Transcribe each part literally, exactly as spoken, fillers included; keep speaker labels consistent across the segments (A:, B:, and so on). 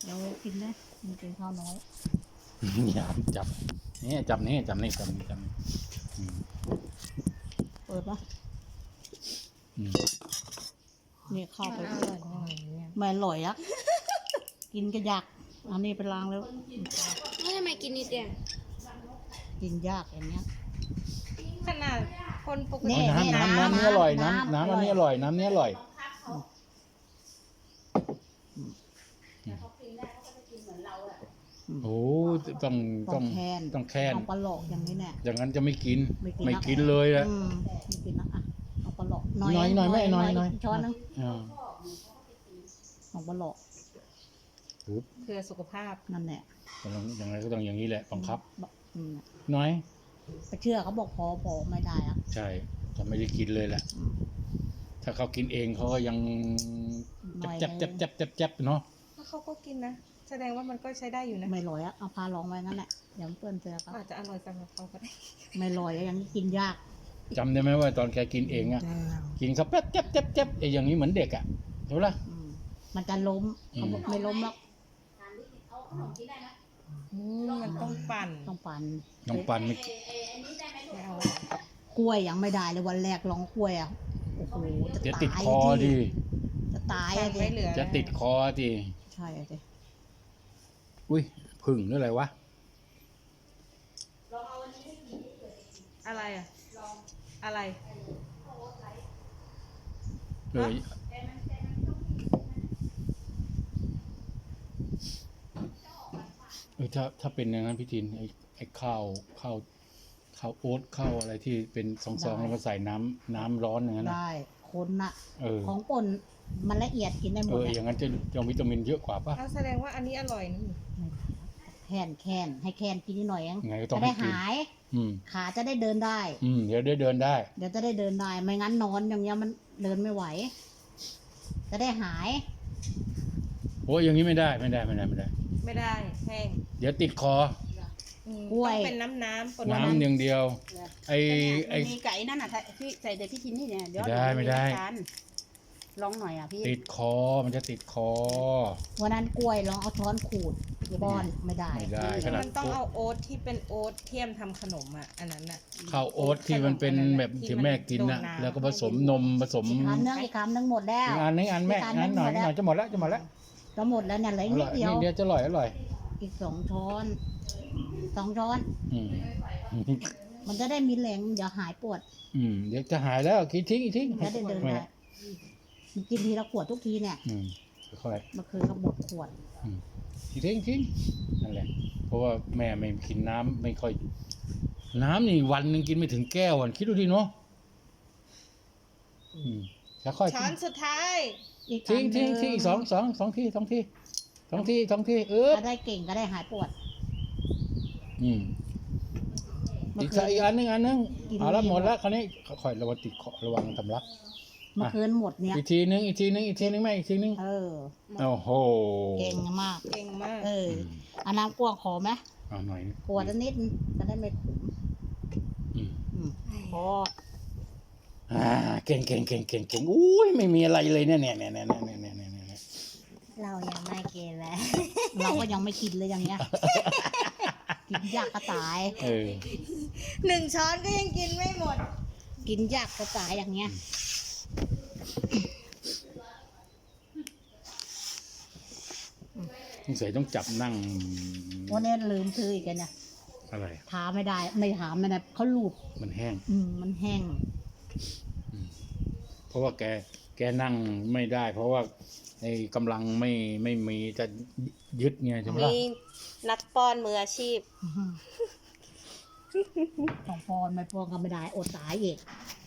A: เดี๋ยวกินนะมันกินข้าวน้อย
B: อย่าจับนี่จับนี่จับนี่จับนี่จับนี่อืม
A: เปิดปะ
B: อืม
A: นี่ข้าวไป
C: อ
A: เพื่
C: ร่
A: อ
C: อน ยจังเลยเนี่ย
A: ไม่อร่อยอะกินก็ยากเอานี่ไปล้างแล้ว
C: แล้วทำไมกินนิดเดียว
A: กินยากอย่างเงี้ย
C: ขนาดคนปก
A: นี่
C: ติ
B: น้ำน้ำน้ำนี้อร่อยน้ำน้ำอันนี้อร่อยน้ำนี้อร่อยโอ้ต้อง
A: ต้
B: ต้
A: อ
B: อง ง
A: แคน
B: ต้องแคน
A: เอาปลาหลอกอย่างนี้แน่
B: อย่างนั้นจะไม่กิน
A: ไม่กิน
B: ไม่
A: นะ
B: กินเลยแหละ
A: อืมไม่กินนะอ่ะเอาปลาหลอก
B: น้อยหน่อยแม่น้อยน้อย
A: ช้อนนึง
B: อ่า
A: เอาปลาหลอก
B: ปึ๊บ
C: เพื่อสุขภาพ
A: นั่นแหละ
B: ต้องอย่างไรก็ต้องอย่างนี้แหละบังคับ
A: อืม
B: น้อย
A: ไปเชื่อเขาบอกพอพอไม่ได้อะ
B: ใช่จะไม่ได้กินเลยแหละ
A: อืม
B: ถ้าเขากินเองเขาก็ยัง
A: น้อย
B: จับจับจับจับจับเนาะ
C: แล้วเขาก็กินนะ แสดงว่ามันก็ใช้ได้อยู่นะ
A: ไม่ลอยอะเอาพาลองไว้งั้นแหละเดี๋ยวมันเปื้อนเสื้อครับ
C: อาจจะอร่อยสำหรับเขาก็ได้
A: ไม่ลอยอะอย่างนี้กินยาก
B: จำได้ไหมว่าตอนแกกินเองอะกินเขาแป๊บจับจับจับไอ้อย่างนี้เหมือนเด็กอะใช่ปะล่ะ
A: อืมมันจะล้ม
B: อืม
A: เขาบอกไม่ล้มหรอก
C: อืมมันต้องปั่น
A: ต้องปั่น
B: น้องปันไม่
C: ไม่เอา
A: กล้วยยังไม่ได้เลยวันแรกลองกล้วยอ่ะโอ้โหจะ
B: จะ
A: ตาย
B: ติดคอดิ
A: จะตาย
C: ปั่
A: อะ
C: น
A: ดิ
C: ไม่เหลือ
B: จะติดคอดิ
A: ใช่อะดิ
B: อุ้ยผึ่งหรืออะไรวะ
C: อะไรอ่ะอะไร
B: เออเออถ้าถ้าเป็นอย่างนั้นพี่ทินไอ้ไอ้ข้าวข้าวข้าวโอ๊ตข้าวอะไรที่เป็นซองๆแล้วก็ใส่น้ำน้ำร้อนอย่างนั้นนะ
A: ได้คนน่ะ
B: เออ
A: ของป่นมันละเอียดกินได้หม
B: เอ
A: ด
B: อ
A: อะ
B: อย่างนั้นจะจะวิตามินเยอะกว่าป่ะ
C: เอาแสดงว่าอันนี้อร่อยนี่
A: แคนแคนให้แคนกินนิดหน่อยเอง
B: ยังไงก็ต้อง
A: จะได้
B: ให้กิน
A: หาย
B: อืม
A: ขาจะได้เดินได้
B: อืมเดี๋ยวได้เดินได้
A: เดี๋ยวจะได้เดินได้ ไม่งั้นนอนอย่างเงี้ยมันเดินไม่ไหว จะได้หาย
B: โอ้ยอย่างนี้ไม่ได้ไม่ได้ไม่ได้ไม่ได้
C: ไม่ได้แห้ง
B: เดี๋ยวติดคอ
C: อืม
A: กล้วย
C: ต้องเป็นน้ำน้ำปน
B: น้ำอย่างเดียว ไอ้ไอ้
D: มีไก่นั่นน่ะถ้าพี่ใส่แต่พี่ชินนี่เนี่ยเดี๋ยว
B: ไม่ได้ไม่ได้
D: ทานลองหน่อยอ่ะพี่
B: ติดคอมันจะติดคอ
A: วันนั้นกล้วยลองเอาช้อนขูดป้อนไม่ได้
B: ไม่ได้ขนาด
C: มันต้องเอาโอ๊ตที่เป็นโอ๊ตเทียมทำขนมอ่ะ อันนั้นอ่ะ
B: ข้าวโอ๊ตที่มันเป็นแบบที่แม่กินน่ะ
C: ที่มันโดนน้ำ
B: แล้วก็ผสมนมผสม
A: อีกคำนึงอีกคำนึงหมดแล้ว
B: อีกอันนี้อันแม่
A: อีกอัน
B: อันหน่อย
A: หมดแล้ว
B: หน่อยจะหมดแล้วจะหมดแล้ว
A: จะหมดแล้วเนี่ยเหลือ
B: อ
A: อีกนิ
B: ร่
A: ด
B: อย
A: เดียว
B: นี่เดียวจะอร่อยอร่อย
A: อีกสองช้อนสองช้อน
B: อืม
A: มันจะได้มีแรงเดี๋ยวหายปวด
B: อืมเดี๋ยวจะหายแล้วคิดทิ้งอีกทิ้ง
A: จะได้เดินได้มันกินทีละขวดทุกทีเนี่ย
B: อืมค่อย
A: เมื่อคืนก็หมดขวด
B: ๆอืมทิ้งทิ้งทิ้งนั่นแหละ เพราะว่าแม่ไม่กินน้ำไม่ค่อย น้ำนี่วันหนึ่งกินไม่ถึงแก้วอ่ะคิดดูดิเนาะอืมแล้วค่อย
C: ช้อนสุดท้าย
A: อีก
B: ทิ้ง
A: อัน
B: ทิ้ง
A: หนึ่
B: ทิ้งอีกสองสองสองที่สองที่สองที่สองที่เออ
A: ถ้าได้เก่งก็ได้หายปวด
B: อืม
A: เมื่
B: อี
A: อก คื
B: สัก
A: น
B: อีกอันหนึงอันหนึง
A: กิน
B: เอาละ
A: ดี
B: หมด
A: หมด
B: แล้วคราวนี้ค่อยระวังติดคอระวังทำลัก
A: เมื่อคืนหมดเนี่ย
B: อีกทีนึงอีกทีนึงอีกทีนึงแม่อีกทีนึง
A: เออ
B: โอ้โห
A: เก่งมาก
C: เก่งมาก
A: เอออันน้ำกวางขอไหม
B: เอาหน่อยนึง
A: กวดนิดนึงจะได้ไม่ขม
B: อืม
A: อืมพอ
B: อ่าเก่งเก่งเก่งเก่งเก่งอุ้ยไม่มีอะไรเลยเนี่ยเนี่ยเนี่ยเนี่ยเนี่ยเนี่ยเนี่ยเนี่ย
C: เรายังไม่เก่งแล้ว
A: เราก็ยังไม่กินเลยอย่างเงี้ย กินยากกระตาย
B: เออ
C: หนึ่งช้อนก็ยังกินไม่หมด
A: กินยากกระตายอย่างเงี้ย
B: สงสัยต้องจับนั่ง
A: วันนี้ลืมซื้ออีกแล้วเนี่ย
B: อะไร
A: ทาไม่ได้ไม่ถามไม่ได้เขาลูบ
B: มันแห้ง
A: อืมมันแห้ง
B: เพราะว่าแกแกนั่งไม่ได้ เพราะว่าไอ้กำลังไม่ไม่มีจะยึดไงใช่ไหมล่ะ
C: มีนักป้อนมืออาชีพ
A: ต้องปอนไม่ปอนก็ไม่ได้อดตายอีก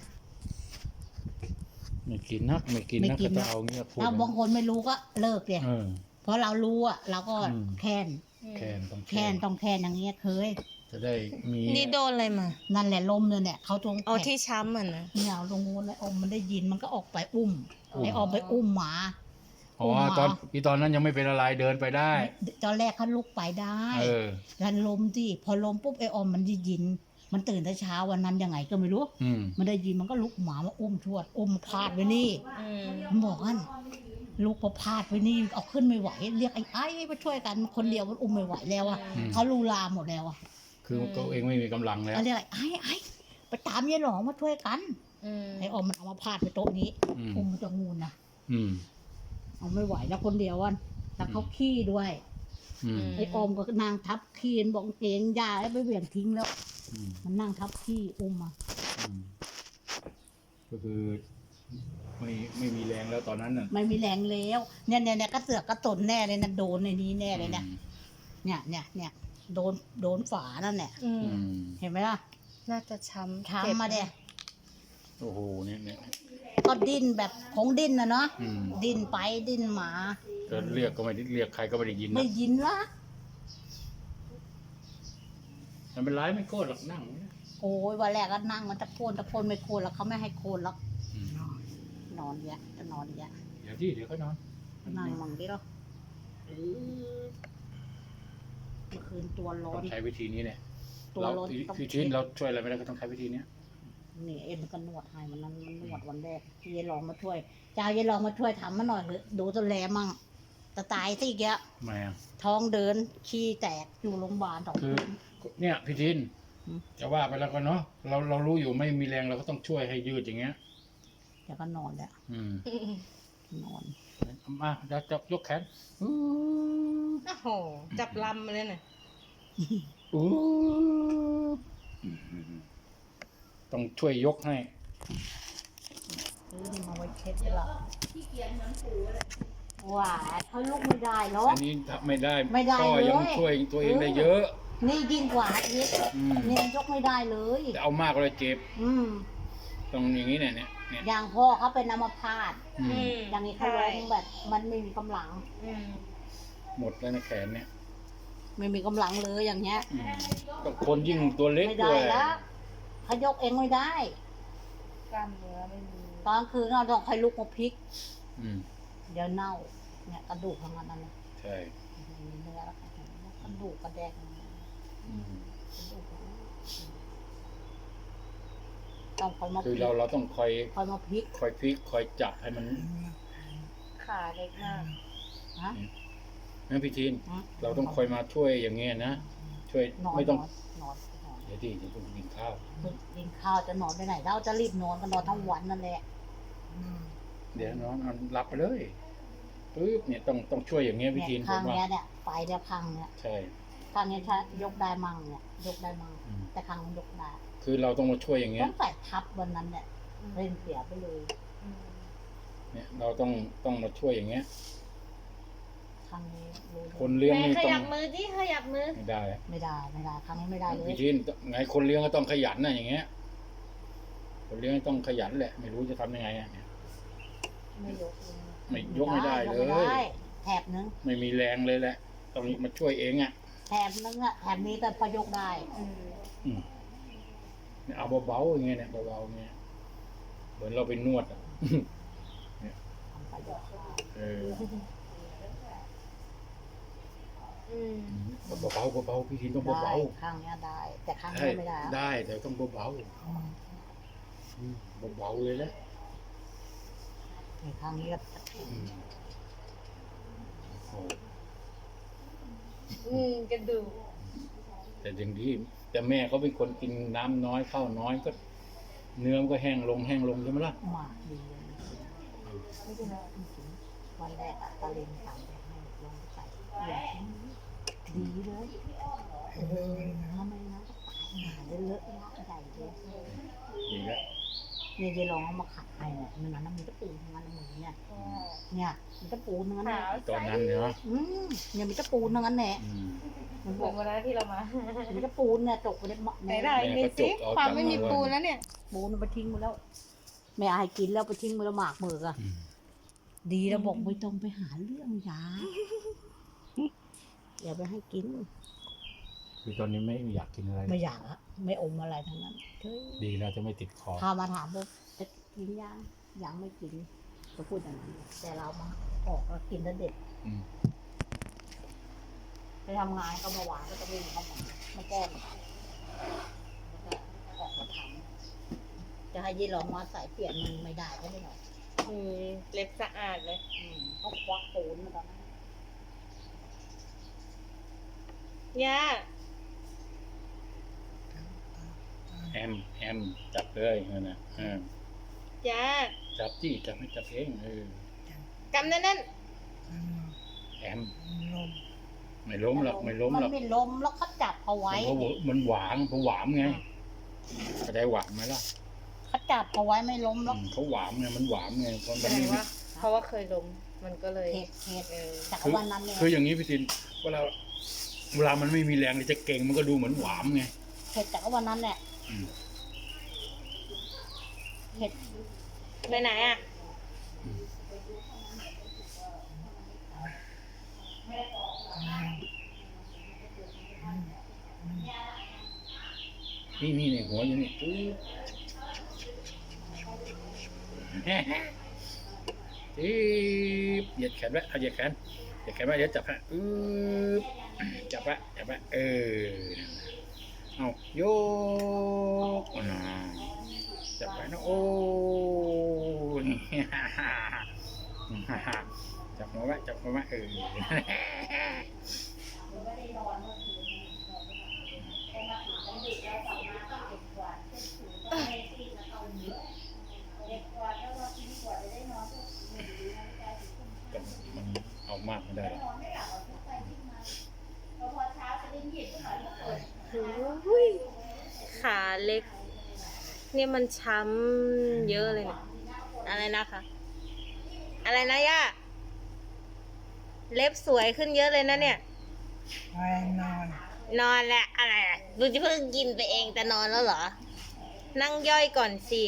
B: ไม่กินนักไม่กิน
A: ไม่
B: นัก
A: กิ
B: ก็
A: น
B: จะ
A: นะ
B: เอาเงี้ยพูด
A: ถ้าบางคนไม่รู้ก็เลิกเลย
B: เออ
A: เพราะเรารู้อ่ะเราก็
B: อืม
A: แค้น
B: แคนต้อง
A: แค้นต้องแค้นอย่างเงี้ยเคย
B: จะได้มี
C: นี่โดนอะไรมา
A: นั่นแหละลมเลยเนี่ยเขาตรง
C: เอา
A: แข
C: ที่ช้ำอ่ะนะ
A: เนี่ยเอาตรงนู้นเลยอมมันได้ยินมันก็ออกไปอุ้มไอ้ออกไปอุ้มหมา
B: อ๋อตอนที่ตอนนั้นยังไม่เป็นอะไรเดินไปได้
A: ตอนแรกเขาลุกไปได้
B: เออ
A: แล้วลมที่พอลมปุ๊บไอ้ออมมันได้ยิน มันตื่นแต่เช้าวันนั้นยังไงก็ไม่รู้
B: อืม
A: มันได้ยินมันก็ลุกหมามาอุ้มชวดอุ้มพาดไว้นี่
C: อืม
A: มันบอกกันลูกพอพลาดไปนี่เอาขึ้นไม่ไหว เรียกไอ้ไอ้มาช่วยกันคนเดียวมันอุ้มไม่ไหวแล้วอ่ะ
B: อืม
A: เขาลูลาหมดแล้วอ่ะ
B: คือตัวเองไม่มีกำลังแล้ว
A: เขาเรียกไอ้ไอ้ไปตามยายหลองมาช่วยกัน
C: อืม
A: ไอ้ออมมันเอามาพาดไปโต๊ะนี้
B: อืม
A: อุ้มมันจะงูนนะ
B: อืม
A: เอาไม่ไหวแล้วคนเดียวอ่ะแต่เขาขี้ด้วย
B: อืม
A: ไอ้ออมก็นางทับขี้มันบอกเองยาแล้วไปเหวี่ยงทิ้งแล้ว
B: อืม
A: มันนั่งทับขี้อุ้มมา
B: อืมก็คือไม่ไม่มีแรงแล้วตอนนั้นน่ะ
A: ไม่มีแรงแล้วเนี่ยเนี่ยเนี่ยกระเสือกกระตนแน่เลยนะโดนในนี้แน่เลยเนี่ย
B: อืม
A: เนี่ยเนี่ยเนี่ยโดนโดนฝานั่นแหละ
C: อืม
B: อืม
A: เห็นไหมล่ะ
C: น่าจะช้ำ
A: ช้ำมาเด้
B: โอ้โหเนี่ยเนี่ย
A: ก็ดิ้นแบบคงดิ้นนะเนาะ
B: อืม
A: ดิ้นไปดิ้นมา
B: ก็เรียกก็ไม่ได้เรียกใครก็ไม่ได้ยิน
A: ไม่
B: นะ
A: ยินละ
B: มันเป็นไรไม่โกรธหรอกนั่ง
A: โอ้ยวันแรกก็นั่งมันตะโกนตะโกนไม่โกนแล้วเขาไม่ให้โกนแล้ว
B: อืม
A: นอนเยอะจะนอนเยอะ
B: เดี๋ยวที่เดี๋ยวก็นอน
A: นั่งมังดิเนาะเมื่อคืนตัวร้อ
B: ต้อน งใช้วิธีนี้เนี่ย
A: ตัว
B: เรา
A: ร้อน
B: พี่
A: ต้อง
B: พี่ชินเราช่วยอะไรไม่ได้ก็ต้องใช้วิธีเนี้ย
A: นี่เอ็มมันก็นวดให้มันนั้นมันนวดวันแรกที่ยายลองมาช่วยเจ้ายายลองมาช่วยทำมาหน่อยเถอะดูตัวแลมั่งจะตายซะอีกแล้ว
B: แม่
A: ท้องเดินขี้แตกอยู่โรงพยาบาลสอง
B: คือ
A: คืน
B: เนี่ยพี่ชิน
A: อืม
B: จะว่าไปแล้วก็เนาะเราเรารู้อยู่ไม่มีแรงเราก็ต้องช่วยให้ยืดอย่างเงี้ย
A: เดี๋ยวก็นอนแล้ว
B: อืม
A: นอน
B: มาจะจะยกแขนอู้
C: โอ้โห จับลำมาเลยน่ะ
B: อู้ต้องช่วยยกให้
A: ซื้อนี่มาไว้เช็ดให้เราว่าเขาลุกไม่ได้หรอก
B: อันนี้ทำไม่ได้
A: ไม่ได้
B: ก็ยัง
A: เลย
B: ช่วยตัวเองได้เยอะ
A: นี่ยิ่งกว่าอีก
B: อืม
A: เนี่ยยกไม่ได้เลย
B: แต่เอามากเลยเจ็บ
A: อืม
B: ตรงอย่างนี้เนี่ยเนี่ยเนี่ย
A: อย่างพ่อเขาเป็นอัมพาต
B: อืม
C: อืม
A: อย่างนี้เขาล้มแบบ มันไม่มีกำลัง
C: อืม
B: หมดแล้วนะแขนเนี่ย
A: ไม่มีกำลังเลยอย่างเงี้ย
B: อืมก็คนยิ่งตัวเล็ก
A: ไม่
B: ด้
A: ได้
B: วย
A: แล้วเขายกเองไม่ได้
C: กล้ามเนื้อไม่มี
A: ตอนกลางคืนเราต้องคอยลุกมาพลิก
B: อืม
A: เดี๋ยวเน่า เนี่ยกระดูกทั้งนั้นนะ
B: ใช่
A: มีเนื้อแล้วค่ะกระดูกกระแดก
B: อืม
A: กระดูกต้องคอยมาพ
B: คือ
A: ลิก
B: เราเราต้องคอย
A: คอยมาพลิก
B: คอยพลิกคอยจับให้มัน
C: ขาเล็กมาก
A: ฮะ
B: นะพี่ทีน
A: ฮะ
B: เราต้องคอยมาช่วยอย่างเงี้ยนะช่วย
A: นอน
B: ไม่ต้อง
A: นอนนอนนอน
B: เดี๋ยวที่จะต้องกินข้าว
A: กินข้าวจะนอนไปไหนเราจะรีบนอนก็นอนทั้งวันนั่นแหละ
B: เดี๋ยวน้องเอารับไปเลยปึ๊บเนี่ยต้องต้องช่วยอย่างเงี้ยพี่
A: เนี่ย
B: ทีนผ
A: ข้าง
B: มว่า
A: เนี้ยเนี่ยไฟเนี่ยพังเนี่ย
B: ใช่
A: ข้างเนี้ยถ้ายกได้มั่งเนี่ยยกได้มั่ง
B: อืม
A: แต่ข้างนี้ยกได้
B: คือเราต้องมาช่วยอย่างเงี้
A: ต้
B: ย
A: องใส่ทับวันนั้นเนี่ยเล่นเสียไปเลย
C: อืม
B: เนี่ยเราต้องต้องมาช่วยอย่างเงี้ย
A: ข้างนี้รู้
B: คนเลี้ยง
C: แม่
B: นี่
C: ข
B: ต้อ
C: ยั
B: ง
C: บมือดิขยับมือ
B: ไม่ได้
A: ไม่ได้ไม่ได้ข้างนี้ไม่ได้เลย
B: พี่ทีนไงคนเลี้ยงก็ต้องขยันนะอย่างเงี้ย คนเลี้ยงต้องขยันแหละ ไม่รู้จะทำยังไงอะเนี่ย
A: ไม่ยกเลย
B: ไม่ยกไม่ได้เลย
A: กไม่ได้แถบนึง
B: ไม่มีแรงเลยแหละ ต้องมาช่วยเองอ่ะ
A: แถบนึงอะแถบนี้แต่พอยกได้
C: อืม
B: อืมเนี่ยเอาเบาๆอย่างเงี้ยเนี่ยเบาๆอย่างเงี้ยเหมือนเราไปนวดอ่ะ
A: ทำไปยกได้
B: เออ
C: อืม
B: เบาๆเบาๆพี่ทีนต้อง
A: ได้
B: เบา
A: ข้างเนี้ยได้ แต่ข้าง
B: ๆ
A: นี้ไม่ได้
B: ได้แต่ต้องเบา
A: อืม
B: ๆอืมเบาๆเลยแหละ
A: นี่ข้างนี้ก็
B: อืมโอ้
C: อืมกระดูก
B: แต่อย่างที่แต่แม่เขาเป็นคนกินน้ำน้อยข้าวน้อยก็ เนื้อมันก็แห้งลงแห้งลงใช่ไหมล่ะ
A: หมากดีเลย
C: ไม่เป็นไร
A: วันแรกอะตะเลงสั่งไปให้ลองไปใส่เหลือชิ้นนี้ดีเลยเออทำไมนะตายหาได้เลอะละใหญ่เลย
B: ดีแล้ว
A: เนี่ยยายลองเอามาขัดให้เนี่ยมันนั้นมันจะปูทั้งนั้นมือเนี่ยเนี่ยมันจะปูทั้งนั้น
C: ขาว
B: ตอนนั้นเนาะ
A: อืมเนี่ยมันจะปูทั้งนั้นแหละ
B: อืม
A: มัน
C: เห
A: บ
C: มื
A: อ
C: อก นวันนั้นที่เรามา
A: มันจะปูเนี่ยตกไปในหม้อ
C: ไหน
A: ใน
C: ได้
B: แม่
C: มี
B: ก็จ
C: สิ
B: กเอา
C: ความ
B: จาก
C: ไม่มี
B: มือ
C: ปูแล้วเนี่ย
A: ปูมันไปทิ้งไปแล้วแม่อายกินแล้วไปทิ้งไปแล้วหมากมืออะ
B: อืม
A: ดีแล้วบอกไม่ต้องไปหาเรื่องยาอย่าไปให้กิน
B: คือตอนนี้ไม่อยากกินอะไร
A: ไม่อยากอะไม่อมอะไรทั้งนั้นเฮ้ย
B: ดีแล้วจะไม่ติดคอ
A: พามาถามว่าจะกินยังยังไม่กินก็พูดอย่างนั้นแต่เรามาออกแล้วกินแล้วเด็ด
B: อืม
A: ไปทำงานก็มาหวานก็จะวิ่งเข้ามามาแก้มแล้วก็ออกมาทำจะให้ยี่หลองมาใส่เปลี่ยนมันไม่ได้ก็ไม่หรอก
C: อืมเล็บสะอาดเลย
A: อืมเขาควักปูนมาตอนนั้น
C: ย่า
B: แอมแอมจับเลยนั่นนะอ่า
C: ย่า
B: จับจี้จับให้จับเองเออก
C: ำแน่น
B: แอมไม่ล้มหรอกไม่ล้ม
A: มัน
B: หรอก
A: ไม่ล้มแล้วเขาจับเอาไว้
B: เพราะว่ามันหวานเพราะหวามไงเข้าใจหวามไหมล่ะ
A: เขาจับเอาไว้ไม่ล้ม
B: อื
A: แล้ว
B: มเขาหวามไงมันหวามไงเพราะ
C: ๆ
B: มั
C: แส
B: น
C: ด
B: ไม่
C: งว่า เพราะว่าเคยล้มมันก็เลย
A: เหตุเหตุ
C: เออ
A: จาก
B: คือ
A: วันนั้นเนี่ย
B: คืออย่างนี้พี่ตินเวลาเวลามันไม่มีแรงจะเก่งมันก็ดูเหมือนหวามไง
A: เหตุจากวันนั้นแหละ
B: อืม
A: เหตุ
C: ไปไหนอ่ะ
B: นี่นี่ในหัวอยู่นี่อื้ออีบเหยียดแขนไว้เอาเหยียดแขนเหยียดแขนไว้เดี๋ยวจับฮะอืบจับไว้จับไว้เออเอาโยกอ่าจับไว้นะโอ้ย จับหัวไว้จับหัวไว้เออแต่มันเอามากไม่ได้หรอก
C: อุ้ยขาเล็ก เนี่ยมันช้ำเยอะเลยเนี่ยอะไรนะคะ อะไรนะย่า เล็บสวยขึ้นเยอะเลยนะเนี่ย
A: นอน
C: นอนแหละอะไรอะดูจะเพิ่งกินไปเองแต่นอนแล้วเหรอ นั่งย่อยก่อนสิ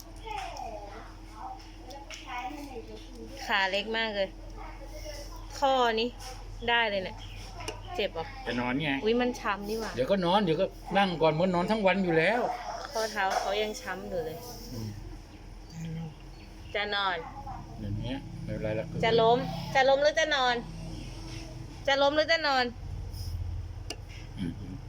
C: ขาเล็กมากเลย ข้อนี้ได้เลยเนี่ย เจ็บเหรอ
B: จะนอนไง
C: อุ้ยมันช้ำนี่หว่า
B: เดี๋ยวก็นอนเดี๋ยวก็นั่งก่อนมันนอนทั้งวันอยู่แล้ว
C: ข้อเท้าเขายังช้ำอยู่เลย
B: อืม
C: จะนอน
B: อย่างเงี้ยไม่เป็นไรละ
C: จะล้ม จะล้มหรือจะนอน จะล้มหรือจะนอน
B: อืม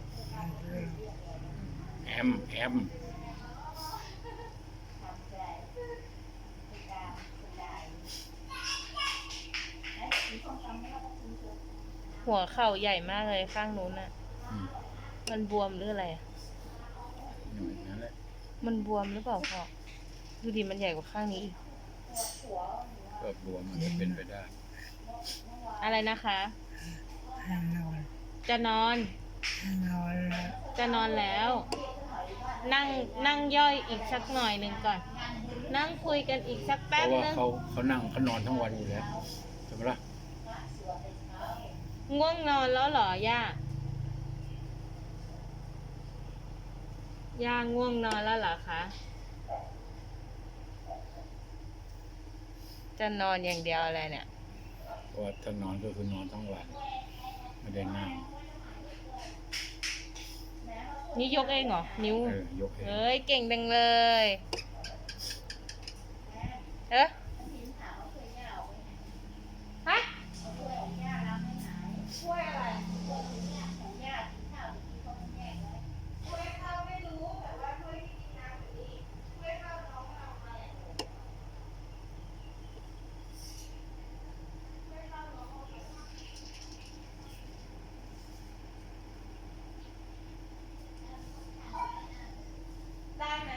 B: แอมแอม
C: หัวเข่าใหญ่มากเลยข้างนู้นน่ะ
B: อืม
C: มันบวมหรืออะไรอะ
B: อย่างนั้นแหละ
C: มันบวมหรือเปล่าพ่อดูดิมันใหญ่กว่าข้างนี้อีก
B: ก็บวมมันก็เป็นไปได้
C: อะไรนะคะ
A: นอน
C: จะนอน
A: นอนแล้ว
C: จะนอนแล้ว นั่งนั่งย่อยอีกสักหน่อยหนึ่งก่อน นั่งคุยกันอีกสัก
B: เพ
C: แป๊บ
B: ราะว่า
C: นึง
B: เขาเขานั่งเขานอนทั้งวันอยู่แล้วใช่ไหมล่ะ
C: ง่วงนอนแล้วเหรอย่า ย่าง่วงนอนแล้วเหรอคะ จะนอนอย่างเดียวอะไรเนี่ย
B: เพราะว่าถ้านอนก็คือนอนทั้งวันไม่ได้นั่ง
C: นี่ยกเองเหรอ นิ้ว
B: เออยกเอง
C: เฮ้ย เก่งจังเลยเอ๊ะฮะได้ไหม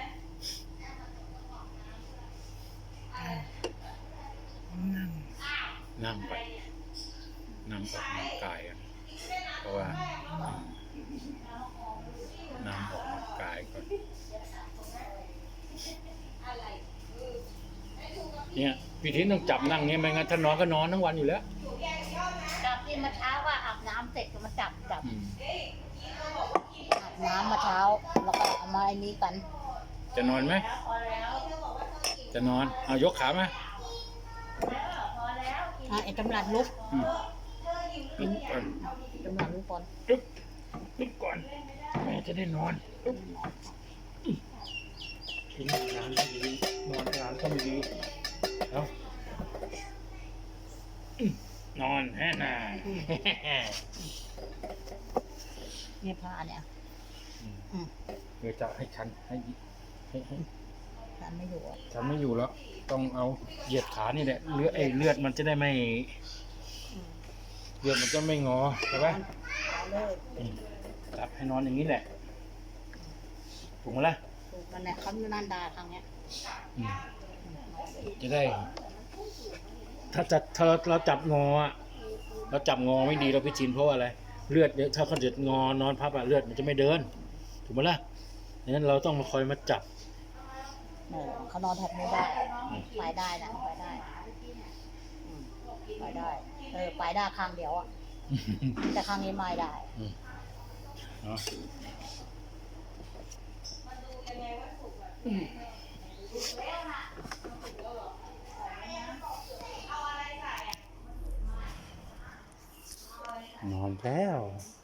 A: นั่ง
B: นั่งไปนั่งออกกำลังกายอะเพราะว่าอืมนั่งออกกำลังกายก่อนเนี่ยพี่ทินต้องจับนั่งเงี้ยไม่งั้นถ้านอนก็นอนทั้งวันอยู่แล้ว
A: จับที่เมื่อเช้าว่าอาบน้ำเสร็จก็มาจับจับ
B: อืม
A: อาบน้ำเมื่อเช้าแล้วก็เอามาไอ้นี้กัน
B: จะนอนไหมจะนอนเอายกขามา
A: อ่ะไอ้ตำรัดลุก
B: อืมลุกก่อน
A: ตำรัดลุกก่อน
B: ลุกลุกก่อนแม่จะได้นอนลุกกินน้ำไม่ดีนอนน้ำก็ไม่ดีเอาอืมนอนแฮ่น่า
A: เนี่ยผ้าเนี่ย อืม
B: เพื่อจะให้ชันให้ให้ให้
A: ฉันไม่อยู่อะ
B: ทำไม่อยู่แล้ว ต้องเอาเหยียดขานี่แหละเลือดไอ้เลือดมันจะได้ไม่
A: อืม
B: เลือดมันจะไม่งอใช่ปะ
A: เอาเลย
B: อืมจับให้นอนอย่างนี้แหละถูกไหมล่ะ
A: ถูกมันเนี่ยเขาอยู่นันดาทางเนี้ย
B: อืม
A: อืม
B: จะได้ ถ้าจะถ้าเราจับงออะเราจับงอไม่ดีเราไปชินเพราะว่าอะไรเลือดเยอะถ้าเขาจะงอนอนพับอะเลือดมันจะไม่เดินถูกไหมล่ะดังนั้นเราต้องมาคอยมาจับ
A: เออเขานอนแถบนี้ได้ไปได้นะไปได้อืมไปได้เออไปได้ข้างเดียวอ่ะแต่ข้างนี้ไม่ได้
B: เนาะนอนแล้ว